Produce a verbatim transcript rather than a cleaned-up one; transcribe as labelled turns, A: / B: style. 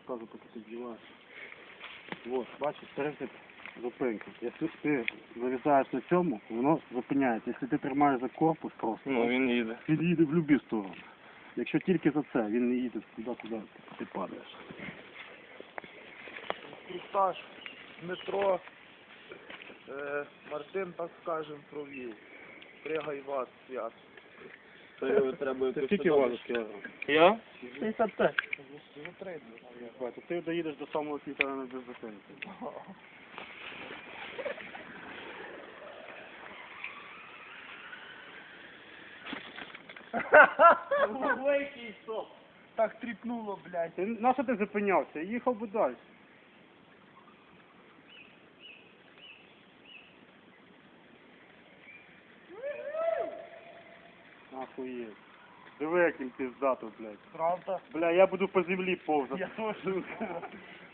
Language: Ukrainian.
A: розказую, поки ти вдіваєш. Вот, бачиш, принцип зупинки. Якщо ти вирізаєш на цьому, воно зупиняється. Якщо ти тримаєш за корпус просто,
B: Ну, він їде.
A: він їде в будь-яку сторону. Якщо тільки за це, він не їде туди, куди ти падаєш.
C: Інструктаж метро, е, Мартин, так скажем, провів. Пригай вас, свят.
B: Це треба
A: Це скільки важиш кілограм?
B: Я? шістдесят п'ять.
A: Бачиш, ти доїдеш до самого квітера без зупинки.
C: Великий стоп. Так тріпнуло, блядь.
A: Ти, на що ти зупинявся? Їхав би далі. Охуєть. Диви, як він пиздато, блядь.
C: Правда?
A: Бля, я буду по землі повзати.
C: Я теж.